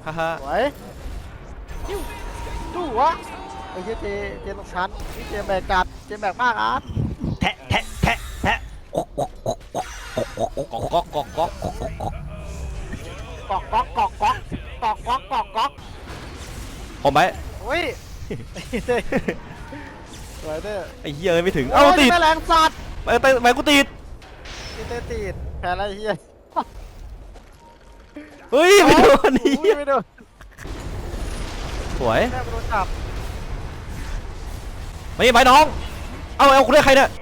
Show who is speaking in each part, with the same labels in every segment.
Speaker 1: ฮ่าฮ่า
Speaker 2: สวยดูวะไอ้เหี้ยเจตรงชั้นนี่เจแบกจัดเจแบกมากอ่ะ
Speaker 1: แทะแทะแทะแทะก๊อกก๊อกก๊อกก๊อกก๊อกก๊อกก๊อก
Speaker 2: กอกก๊อกกอกก๊อกกอกก๊อก
Speaker 1: ผมไป
Speaker 2: โอ้ยสวยเด้อ
Speaker 1: ไอ้เหี้ยไม่ถึงเอ้าติด
Speaker 2: แรงสัตว์
Speaker 1: ไปกูติด
Speaker 2: ติดแพ้อะไรเหี้ย
Speaker 1: เฮ้ยไม่โดนนี่
Speaker 2: ไม่โดน
Speaker 1: สวย
Speaker 2: แม่โดนจับ
Speaker 1: ไม่น้องเอาคุณได้ใครเนี่ย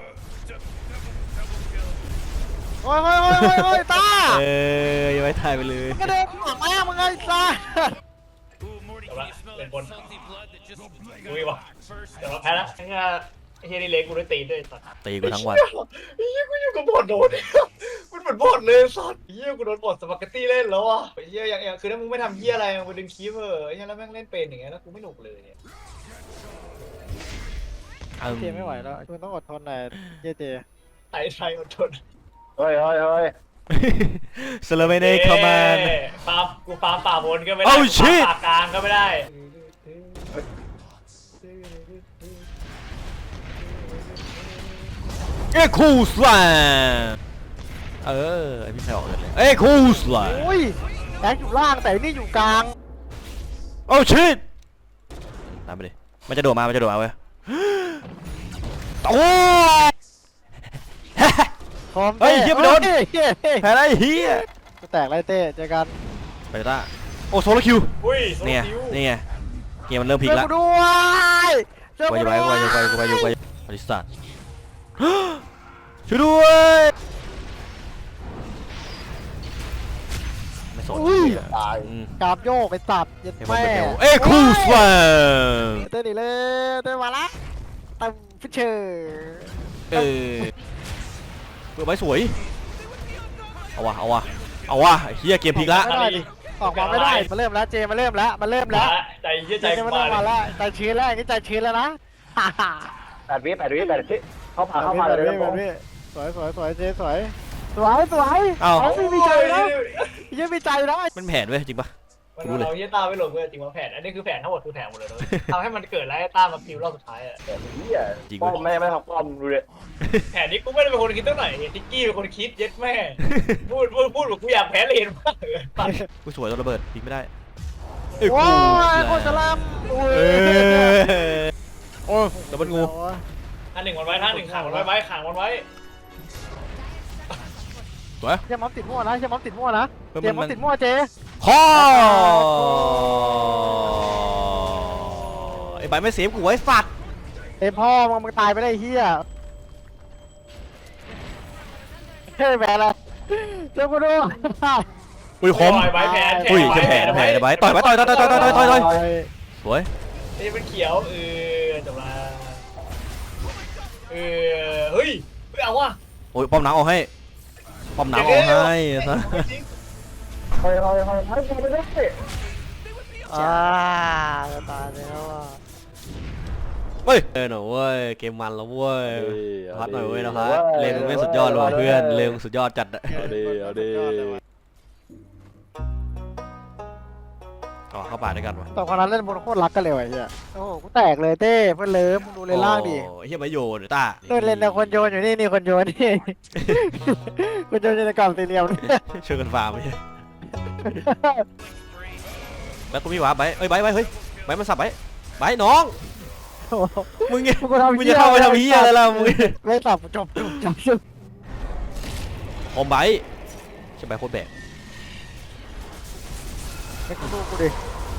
Speaker 2: โอ้ยตา
Speaker 1: ยังไม่ถ่ายไปเลย
Speaker 2: กระเด็นหัวแม่มึงไงตา
Speaker 3: แต่ว่าเป็นบนกูอีกวะแต่ว่าแพ้แล้วไอ้เฮียนี่เล็กกูได้ตีด้วยสัตว์
Speaker 1: ตีกูทั้งวัน
Speaker 3: ไอ้เฮียกูอยู่กับบอดโดนมันเหมือนบอดเลยสัตว์เฮียกูโดนบอดสปาเกตตี้เล่นแล้วอ่ะไอ้เฮียอย่างคือถ้ามึงไม่ทำเฮียอะไรมึงไปดึงคีบไอ้เฮียแล้วแม่งเล่นเป็นอย่างเงี้ยแล้วกูไม่หนุกเลยเนี่ย
Speaker 2: เจไม่ไหวแล้วคุณต้องอดทนหน่อยเจ
Speaker 3: ไอ้อดทน
Speaker 4: เฮ้ย
Speaker 1: สโลเวเน่เข้ามา
Speaker 3: ฟาร์มกูฟาร์มป่าบนก็ไม่ได้
Speaker 1: Oh shit
Speaker 3: ป่ากลางก็ไม่ได้
Speaker 1: คูสลาไอพี่ชายออกเลยคูสลา
Speaker 2: โอ้ยแบงค์อยู่ล่างแต่นี่อยู่กลาง
Speaker 1: โอ้ชิตตามไปดิมันจะโดดมาเว้ยโอ้
Speaker 2: พร้อม
Speaker 1: เฮ้ยเฮียไม่โดน แพ้ได้เฮีย
Speaker 2: กูแตกไรเต้เจอกัน
Speaker 1: ไปต้าโอ้โซโลคิว
Speaker 3: อุ้ยโซโล
Speaker 1: นี่ไง
Speaker 3: คิว
Speaker 1: นี่ไงเกมมันเริ่มพลิกแล้ว
Speaker 2: เจอกูด้วย
Speaker 1: ไปอลิสตาช่วยด้วยไม่สน
Speaker 4: ตาย
Speaker 2: กราบโยกไปตับยันแม่
Speaker 1: คูสลา
Speaker 2: เต้นอีเลยเต้นมาละตั้มฟิชเชอร์
Speaker 1: เปิดไว้สวยเอาวะเฮียเกมพลิกละ
Speaker 2: ไม่ได้ดิออกมาไม่ได้มาเริ่มแล้วเจมาเริ่มแล้ว
Speaker 3: ใจเฮีย
Speaker 2: ใจ
Speaker 3: ใจ
Speaker 2: มา
Speaker 3: มา
Speaker 2: เริ่มมาแล้วใจชื้นแล้วนี่ใจชื้นแล้วนะ
Speaker 4: 8 วิเข้ามาเลยครับผม
Speaker 2: สวยเจสวยไม่มีใจนะยังมีใจนะ
Speaker 1: มันแผนเว้ยจริงปะ
Speaker 3: มันเราเฮียตาไม่หลงเลยจริงว่าแผนอันนี้คือแผนทั้งหมดคือแผนหมดเลยทำให้มันเกิดแล้วไอ้ตามาพิวรอบสุดท้ายอ่ะ
Speaker 4: เฮียป้อมไม่ทำป้อมดูเลย
Speaker 3: แผนนี้กูไม่ได้เป็นคนคิดตั้งไหนทิกกี้เป็นคนคิดเย็ดแม่พูดแบบกูอยากแพ้เลยเห็นมากเลย
Speaker 1: กูสวยตัวระเบิดยิงไม่ได้
Speaker 2: โอ้ยโคตรจะล่ำโอ้ย
Speaker 1: ดับเบิลงู
Speaker 3: ท่านหนึ่งวันไว้ท่านหนึ่งขังวันไว้ขังวันไว้
Speaker 1: สวย
Speaker 2: เจมส์ติดมั่วนะเจมส์ติดมั่วนะเจมส์ติดมั่วเจ
Speaker 1: ข้อไอ้ใบไม่เสียกูไว้สัตว์
Speaker 2: เต็มพ่อมึงตายไปได้เฮียเฮ้ยแบละเจ้ากูดู
Speaker 1: อุ้ยคม
Speaker 3: ไว้แผน
Speaker 1: อุ้ยจะแผนไว้ต่อยสวย
Speaker 3: นี่เป็นเขียวจบละเฮ้ยเอาว่ะ
Speaker 1: โอ้ยป้อมหนังเอาให้ป้อมหนังเอาให้ซะ
Speaker 4: เฮ้ยไม่ได้
Speaker 2: จะตายแล้วอ่ะ
Speaker 1: เฮ้ยหน่อยเว้ยเกมมันแล้วเว้ยพัดหน่อยเว้ยนะพัดเลงไม่สุดยอดเลยเพื่อนเลงสุดยอดจัดอะต่อเข้าป่าด้วยกันวะ
Speaker 2: สองคนนั้นเล่นบนโคตรรักกันเลยว่ะเฮียโอ้โหกูแตกเลยเต้เพื่อนเลิฟมึงดูเลยล่างดิ
Speaker 1: เฮียมาโยนต้า
Speaker 2: เล่นแต่คนโยนอยู่นี่คนโยนนี่คนโยนอยู่ในกล่องสี่เหลี่ยม
Speaker 1: ช่วยกันฟาร์มไม่ใช่แล้วกูมีหวาไปเฮ้ยไปมันสับไปน้องมึงจะเข้าไปทำเฮียอะไรล่ะมึง
Speaker 2: ไม่สับจบ
Speaker 1: อมใบใช่ใบโคตรแบก
Speaker 2: ไม่กูดูกูดิ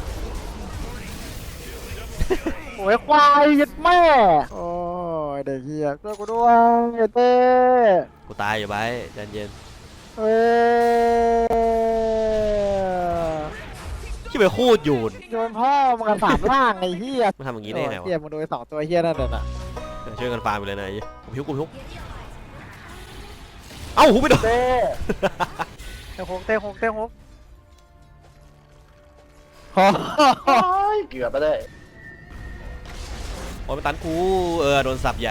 Speaker 2: โอ้ยควายยัดแม่โอ้ยเด็กเฮียช่วยกูด้วยเต้
Speaker 1: กูตายอยู่ใบใจเย็นที่ไปโคตรโยน
Speaker 2: โยนพ่อมึงกันสามล่างไอ้เฮีย
Speaker 1: มันทำอย่างนี้ได้ไงวะ
Speaker 2: เฮียมึงดูสองตัวเฮียนั่นน่ะ
Speaker 1: ช่วยกันฟาร์มไปเลยนะกูพิวเอ้าหูไปโดน
Speaker 2: เต้เต้หกพอ
Speaker 4: เกือบไปได้
Speaker 1: โอ้ยมันตันกูโดนสับใหญ่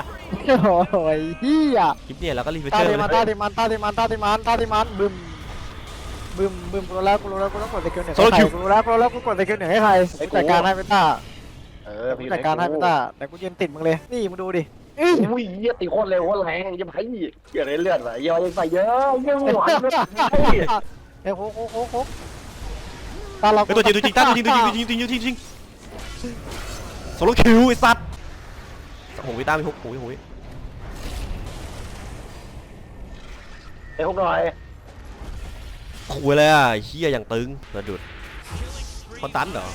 Speaker 2: โอ้ยเฮีย
Speaker 1: คลิปเนี่ยแล้วก็รีเฟรช
Speaker 2: ตา
Speaker 1: เชอร์
Speaker 2: ดิมันบึมบึมกูรู้แล้วกูต้องกดสกิลหนึ่งให้ใครกูรู้แล้วกูกดสกิลหนึ่งให้ใครจัดการให้เบต้าจัดการให้เบต้าแต่กูยืนติดมึงเลยนี่มึงดูดิ
Speaker 4: อุ้ยเยี่ยตีโคตรเร็วโคตรแรงยังไงเกิดอะไรเลือดวะเยอะยังใส่เยอะยังหวานเลย
Speaker 2: เฮ้ยโคกตาเรา
Speaker 1: ไปตัวจริงตั้งจริงโซโลคิวไอ้สัตว์โอ้โหวิต้ามีฮุกโอ้ย
Speaker 4: ไอ้พวกหน่อย
Speaker 1: คุยเลยอ่ะเฮียอย่างตึงระดุดคอนตันเหรอ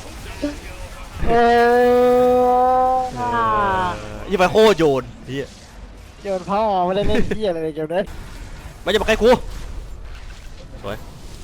Speaker 1: ยี่ไปโคโยนเฮีย
Speaker 2: โยนพ่อไม่ได้เล่นเหี้ยอะไรเกี่ยวกับ
Speaker 1: ไม่จะมาใกล้กูสวย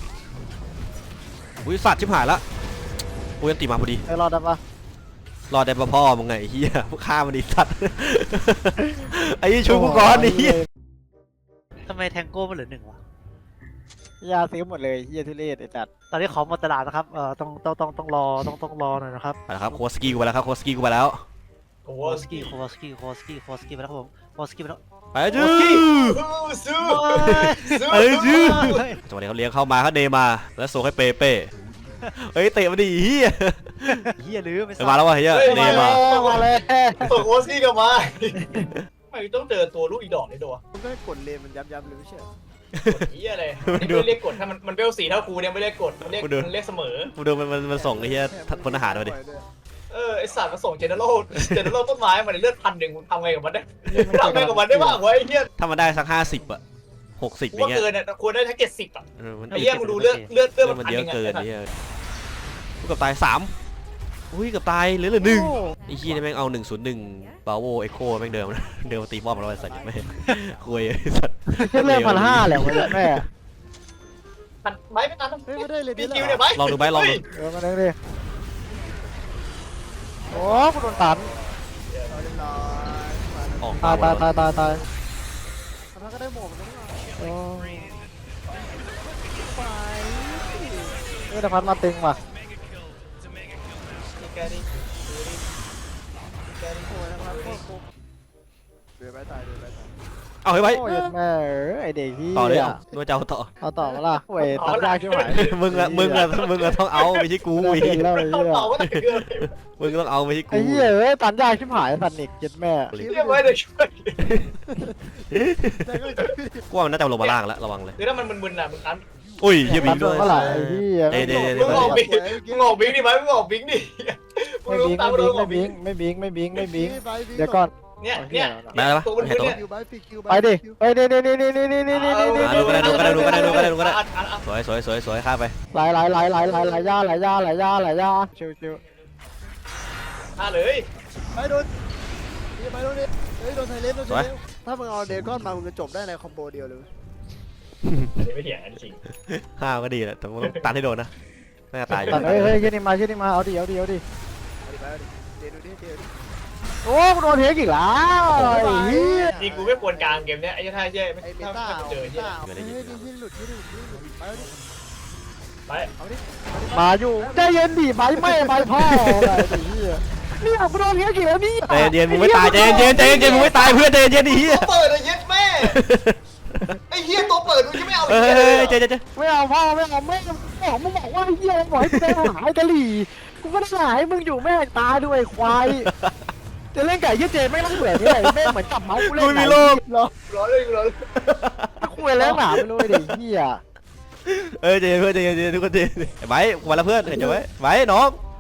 Speaker 1: อุ้ยสัตว์ชิบหายละกูยังตีมาพอดี
Speaker 2: รอดได้ปะ
Speaker 1: รอดได้ปะพ่อมึงไงเฮียพวกฆ่ามันดิสัตว์ไอ้ชูกูก่อนดิ
Speaker 5: ทำไมแทงโก้มันเหลือ1วะ
Speaker 2: ยาซื้อหมดเลยเหี้ยทุเรศไอ้จัด
Speaker 5: ตอนนี้ของหมดตลาดนะครับต้องรอหน่อยนะครับ
Speaker 1: ไปแล้วครับโคสกี้กูไปแล้วครับโคสกี้กูไปแล้ว
Speaker 3: โอ้
Speaker 5: โคสกี้ไปแล้วครับผมโคสกี้ไปแล้ว
Speaker 1: ไปจื้อ
Speaker 3: สู้
Speaker 1: ไปจื้อจังหวะนี้เขาเลี้ยงเข้ามาเขาเนมาแล้วส่งให้เปเป้เฮ้ยเตะมาดิเฮีย
Speaker 5: เฮียลืมไป
Speaker 1: มาแล้ววะเฮียเนมา
Speaker 2: มาเลย
Speaker 3: ส่งโอซี่กลับมาไม่ต้องเจอตัวลูกอีดอกนี่ตัว
Speaker 2: มึงก็กดเลนมันย้ำเลยไม่ใช่
Speaker 3: กดเหี้ยอะไรนี่ไม่เรียกกดถ้ามันเบลสีเท่ากูเนี่ยไม่เรียกกดมันเรียกเสมอ
Speaker 1: กูดูมันส่งไอ้เฮียพลทหารมาดิ
Speaker 3: ไอสัตว์มาส่งเจเนอเรลต้นไม้มาในเลือด1,000มึงทำไงกับมันได้ทำไงกับมันได้บ้างวะไอ้เหี้ย
Speaker 1: ถ้ามันได้สัก50อะ60อ
Speaker 3: กู
Speaker 1: ย่าง
Speaker 3: ว่า
Speaker 1: เงี้ย
Speaker 3: เกินอ่ะควรได้ทั้ง70อ่ะ
Speaker 1: มัน
Speaker 3: ไอ้เหี้ยมึงดูเลือด
Speaker 1: มันเยอะเกินไอ้เหี้ยกูกับตาย3อุ้ยกับตายเหลือ1ไอ้ขี้นี่แม่งเอา101บาโวเอ็กโคแม่งเดิมมาตีป้อมแล้วไอ้สัตว์ไม่คุยไอ้สัตว์
Speaker 2: เรื่อง1,500แหละวันแม่
Speaker 3: ไม้ไม่ตัน
Speaker 2: ไม่ได้เลย
Speaker 3: มีคิวเนี่ยไม้
Speaker 1: ลองดูไหมลองดู
Speaker 2: มาเล่นดิโอ้กูโดนตัน
Speaker 1: ออก
Speaker 2: ตายแต่พัดมาตึงว่ะ
Speaker 1: เอาเฮ้ยไว้
Speaker 2: โอ้ยแม่ไอเด็กที่
Speaker 1: ต่อเลยนัวเจ้าต่อ
Speaker 2: เอาต่อมาล่ะโอ้ยตัดยากใช่ไหม
Speaker 1: มึงต้องเอาไม่ใช่กู
Speaker 2: เห็นแล้วไอ้
Speaker 3: เขา
Speaker 2: เหี้ย
Speaker 3: เป่าว่าแต่เกิน
Speaker 1: มึงต้องเอาไม่ใช่กู
Speaker 2: ไอ้เหี้ยเอ้ยตัดยากชิบหายตัดนิกเจ็ดแม่
Speaker 3: เรียกไว้เลยช่วย
Speaker 1: กูว่ามันน่าจะลงมาล่างแล้วระวังเลย
Speaker 3: คือถ้ามันมึนๆอ่ะมึงตัน
Speaker 1: อุ้ยเฮียบิง
Speaker 2: ตั
Speaker 1: ด้
Speaker 2: ด
Speaker 1: วย
Speaker 2: เมื่อไหร่ไอ้เหี้ย
Speaker 3: มึงออกบิงดิไหมมึงออกบิงดิมึง
Speaker 2: ไม่
Speaker 3: รู้
Speaker 2: บิง
Speaker 3: ตามมึงออกบิง
Speaker 2: ไม่บิงเดี๋ยวก่อน
Speaker 3: เนี่ย
Speaker 1: ได้แล้วปะ
Speaker 3: ตัวมัน
Speaker 1: เห็นตัว
Speaker 3: เนี่ย
Speaker 2: ไปดิไปดิ
Speaker 1: สวยข้าไป
Speaker 2: ไหลย่าชิว
Speaker 3: เลย
Speaker 6: ไปโดนดิเฮ้ยโดนไทเลฟถ้ามึงเอาเดก้อนมามึงจะจบได้ในคอมโบเดียวเลย
Speaker 3: อันนี้ไม่เถียงกันจริง
Speaker 1: ข้าก็ดีแหละแต่มึงตันให้โดนนะน่าจะตายอยู่
Speaker 2: ตัดเฮ้ยชื่อนี่มาเอาดิ
Speaker 6: เอาดิเดี๋ยวดูดิ
Speaker 2: โอ้กูโดนเทคอีกแล้วไอ้เหี้ย
Speaker 3: จริงกูไม่ควรกลางเกมเนี้ยไอ้ท่าเย่ไม่
Speaker 6: ไอ้เบ
Speaker 3: ถ้า
Speaker 6: ต้า
Speaker 3: เจอเย่
Speaker 6: เฮ้ยนี่หลุดไปเอาดิ
Speaker 3: ไป
Speaker 6: เอาดิ
Speaker 2: มาอยู่ใจเย็นดิใบไม่ใบพ่ออะไรไอ้เหี้ยเนี่ยกูโดนเทคอีกแล้วนี่
Speaker 1: ใจเย็นมึงไม่ตายใจเย็นมึงไม่ตายเพื่อนใจเย็นดิเฮีย
Speaker 3: ตัวเปิดเลยเย็ดแม่ไอ้เฮียตัวเปิดมึงจะไม่เอา
Speaker 1: เฮ้
Speaker 3: เฮียเลย
Speaker 1: ยใจ
Speaker 2: ไม่เอาพ่อไม่เอาแม่มึงบอกว่าไอ้เหี้ยบอกให้กูไปหายกะหรี่กูก็ได้หายมึงอยู่แม่ตาด้วยควายจะเล่นไก่ยี่เจไม่ต้องเบื่อนี่แม่เหมือนจับเมาส์กูเล่น
Speaker 1: กูมีโลก
Speaker 2: รอ
Speaker 3: ร้อนเลยร้อน
Speaker 2: คุยแล้วหนาไปเลยดิเหี้ย
Speaker 1: ใจเย็นเพื่อนใจเย็นทุกคนใจไว้กูมาแล้วเพื่อนเห็นจะไว้น้อง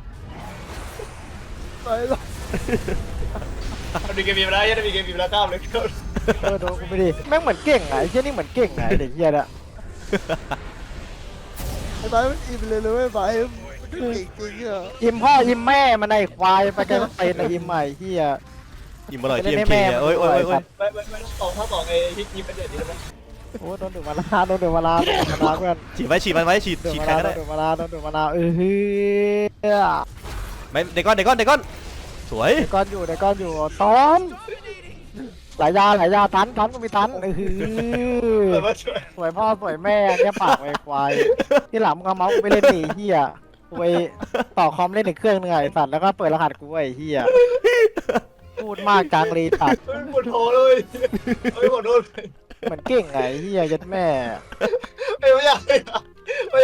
Speaker 6: ไปแล้ว
Speaker 3: มีเกมมีเวลาเย่มีเกมมีเวลาข้ามเลย
Speaker 2: โดนกูไปดิแม่งเหมือนเก่งไงไอ้เหี้ยนี่เหมือนเก่งไงเด็กเหี้ยอะ
Speaker 6: ไอ้ไบมันอิ่มเลยเว้ยไบมันเก่งจริงอ่ะ
Speaker 2: ยิมพ่อยิมแม่มันไอ้ควายไปกันเป็นไอ้ยิมใหม่เหี้ย
Speaker 1: อิ่มอร่อยเทียมเคโอ้ย
Speaker 3: ไม่ต้องต่อไอ้ฮิปเป็นเด็ดดีแล้ว
Speaker 2: โอ้โดนดูมาลาเพื่อน
Speaker 1: ฉีดมันไว้ฉีดใครก็ได้
Speaker 2: โดนมาลาเฮ้ย
Speaker 1: ไม่เด็กก้อนสวย
Speaker 2: เด็กก้อนอยู่ตอนหลายยาตันก็มีตันสวยพ่อสวยแม่เนี่ยปากไอ้ควายที่หลังมึงเอาเมาส์ไปเล่นหนีเหี้ยไปต่อคอมเล่นอีกเครื่องนึงไอ้สัตว์แล้วก็เปิดรหัสกูไอ้เหี้ยพูดมากจังรีตัด
Speaker 3: ปวดคอเลยปวดโดน
Speaker 2: เหมือนเก่งไงเหี้ยยัดแม่
Speaker 3: ไม่อยาก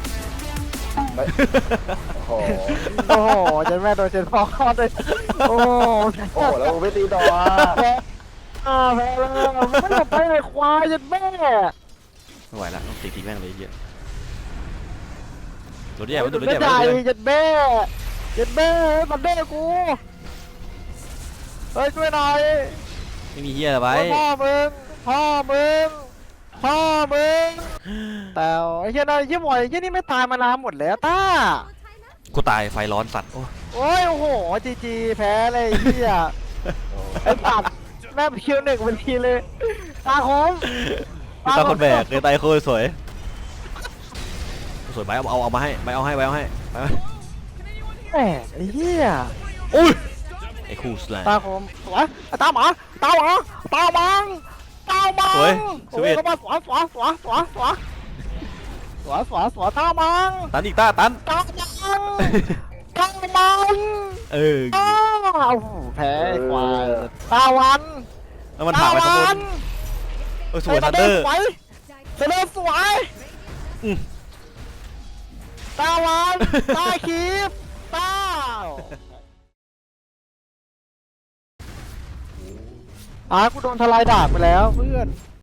Speaker 4: โอ้โห
Speaker 2: โอ้โหเจนแม่โดนเจนพ่อคลอดเลยโอ้
Speaker 4: โอ้โหแล้วมึงไม่ตีต่ออ่ะ
Speaker 2: แพ้แพ้แล้วไม่อยากไปไหนควายเจนแม่
Speaker 1: ไม่ไหวละต้องตีทิ้งแม่งเลยไอ้เหี้ยตัวใหญ่ไว้ตัว
Speaker 2: เจ
Speaker 1: ใหญ่
Speaker 2: น
Speaker 1: ไว้
Speaker 2: ใหญ่
Speaker 1: ตัวใหญ่
Speaker 2: เจนแม่เจนแม่มันเด้กูเฮ้ยช่วยหน่อย
Speaker 1: ไม่มีเหี้ยอะไรไว้
Speaker 2: พ่อมึงพ่อมึงพ่อมึงแต่ไอ้เหี้ยนั่นไอ้เหี้ยหมวยไอ้เหี้ยนี่ไม่ตายมานานหมดแล้วต้า
Speaker 1: กูตายไฟร้อนสัตว์โอ้
Speaker 2: โอ้ยโอ้โหจีแพ้เลยไอ้เหี้ยไอ้สัตว์แม่งคิวหนึ่งเป็นทีเลยตาคม
Speaker 1: คือตาคนแบกเลยตายโคตรสวยสวยไปเอามาให้ไปเอาให้ไปเอาให้ไป
Speaker 2: แหมไอ้เหี้ย
Speaker 1: อุ้ยไอ้คู่สไลด์
Speaker 2: ตาคมสวยตาหมาตาหมาตาบังตาบัง
Speaker 1: สวย
Speaker 2: โอ้ยเข้ามาสวยตาบัง
Speaker 1: ตันอีกตาตัน
Speaker 2: ตาบัง
Speaker 1: เออ
Speaker 2: อ้าวแพ้ไอ้ควายตาวัน
Speaker 1: แล้วมันถากไปข้างบนเออสวยทันเดอร์
Speaker 2: สวยเซเลสวย
Speaker 1: อืม
Speaker 2: ตาวันตาคีบตากูโดนทลายดาบไปแล้วเพื่อน